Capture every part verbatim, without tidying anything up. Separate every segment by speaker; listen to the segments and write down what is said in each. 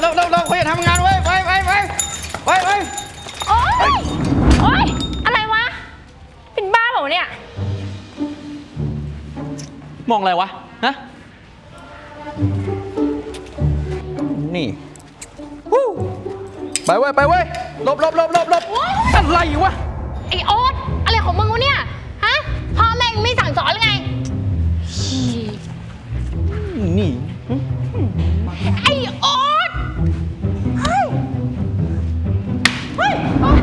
Speaker 1: เราเราเราคุยกันทำงานไว้ไปไปไปไปไป
Speaker 2: โอ๊ยโอ๊ยอะไรวะเป็นบ้าเปล่าเนี่ย
Speaker 1: มองอะไรวะฮะนี่ไปเว้ยไปเว้ยหลบหลบหลบหลบหลบอะไรวะ
Speaker 2: ไอโอ๊ตอะไรของมึงวะเนี่ยฮะพ่อแม่งไม่สั่งสอนหรือไง
Speaker 1: นี่
Speaker 2: ไอโอ๊ตเฮ้ยเฮ้ย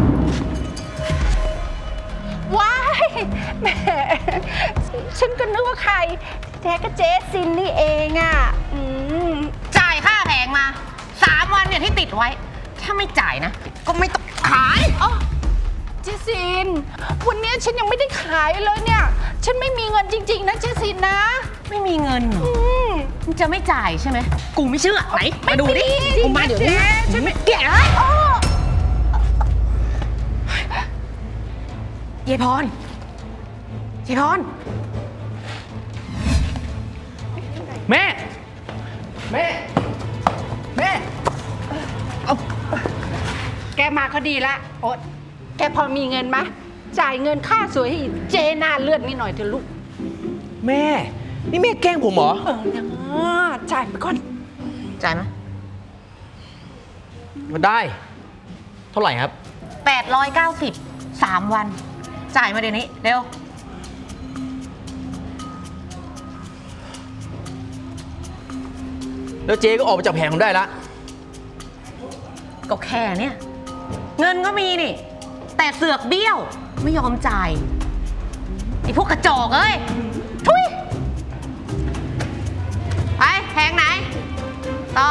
Speaker 2: ว้ายแหมฉันก็นึกว่าใครแท้ก็เจซินนี่เองอ่ะ
Speaker 3: จ่ายค่าแผงมาสามวันเนี่ยที่ติดไว้ถ้าไม่จ่ายนะก็ไม่ต้องขาย
Speaker 2: เจซินวันนี้ฉันยังไม่ได้ขายเลยเนี่ยฉันไม่มีเงินจริงๆนะเจซินนะ
Speaker 3: ไม่มีเงินมึงจะไม่จ่ายใช่ไหมกูไม่เชื่อไหนมาดูดิกูมาเดี๋ยวนี้
Speaker 2: ฉันไม่แก่
Speaker 3: เยพรเยพร
Speaker 1: แม่แม่แม่เอา
Speaker 2: แกมาก็ดีละโอ๊ตแกพอมีเงินไหมจ่ายเงินค่าสวยให้เจน่าเลือดนิดหน่อยเถอะลูก
Speaker 1: แม่นี่แม่แกล้งผมเหรอ
Speaker 2: เออนะจ่ายไปก่อน
Speaker 3: จ่ายไหม
Speaker 1: ได้เท่าไหร่ครับ
Speaker 3: แปดร้อยเก้าสิบสามวันจ่ายมาเดี๋ยวนี้เร็ว
Speaker 1: แล้วเจ๊ก็ออกไปจากแผงผมได้ละ
Speaker 3: ก็แค่เนี้ยเงินก็มีนี่แต่เสือกเบี้ยวไม่ยอมจ่ายไอ้พวกกระจอกเอ้ยทุยไปแผงไหนต่อ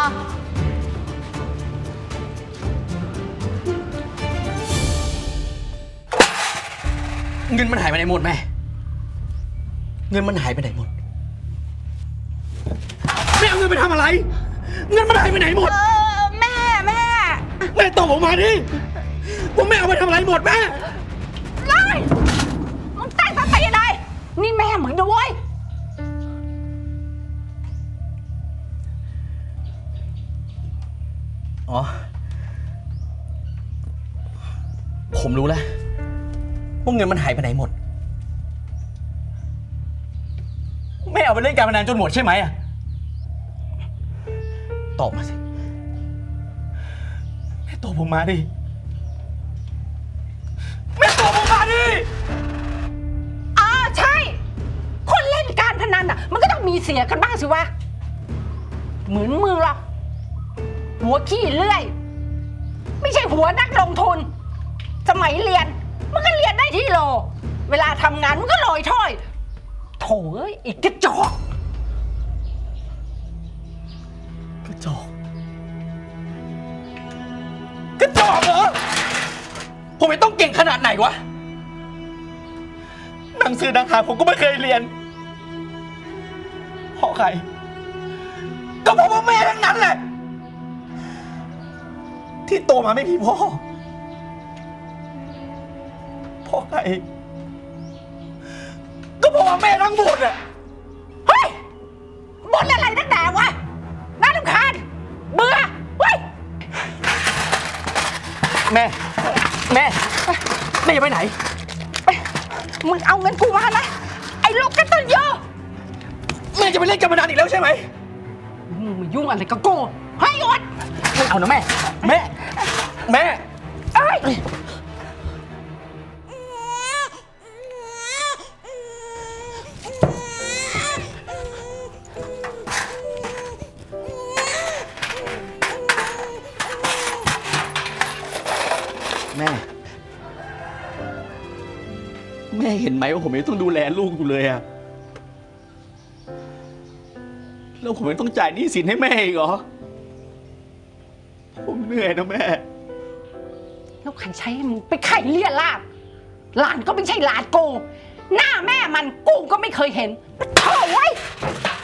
Speaker 1: เงินมันหายไปไหนหมดแม่เงินมันหายไปไหนหมดแม่เอาเงินไปทำอะไรเงินมันหายไปไหนหมด
Speaker 2: แม่แม่
Speaker 1: แม่ตอบผมมาดิว่าแม่เอาไปทำอะไรหมดแม่
Speaker 2: ไล่มึงตั้งสติอะไรนี่แม่เหมือนด้วย
Speaker 1: อ๋อผมรู้แล้วว่าเงินมันหายไปไหนหมดแม่เอาไปเล่นการพนันจนหมดใช่ไหมอะตอบมาสิแม่ตอบผมมาดิแม่ตอบผมมาดิ
Speaker 2: อ่าใช่คนเล่นการพนันอ่ะมันก็ต้องมีเสียกันบ้างสิวะเหมือนมือหรอกหัวขี้เลื่อยไม่ใช่หัวนักลงทุนสมัยเรียนมันก็เรียนได้ที่โลเวลาทำงานมันก็ลอยถ้อยโถ่เอ้ยอีกกระจอก
Speaker 1: กระจอกกระจอกเหรอผมไม่ต้องเก่งขนาดไหนวะหนังสือหนังหาผมก็ไม่เคยเรียนเพราะใครก็เพราะว่าแม่ทั้งนั้นแหละที่โตมาไม่มีพ่อเพราะใครก็เพราะว่าแม่ทั้งหมดอะ
Speaker 2: เฮ้ยบ่นอะไรนักหนาวะน่ารำคาญเบื่อเฮ้ย
Speaker 1: แม่แม่แม่จะไปไหน
Speaker 2: มึงเอาเงินกูมานะไอ้ลูกกระตันยู
Speaker 1: แม่จะไปเล่นการพนันอีกแล้วใช่ไหม
Speaker 2: มึงมายุ่งอะไรกับกูให้อด
Speaker 1: ไม่เอานะแม่แม่แม่
Speaker 2: เอ้ย
Speaker 1: แม่แม่เห็นไหมว่าผมยังต้องดูแลลูกอยู่เลยอะแล้วผมยังต้องจ่ายหนี้สินให้แม่อีกเหรอผมเหนื่อยนะแม่
Speaker 2: แล้วใครใช้มึงไปไข่เลี่ยลาดหลานก็ไม่ใช่หลานกูหน้าแม่มันกูก็ไม่เคยเห็นโถ่ไว้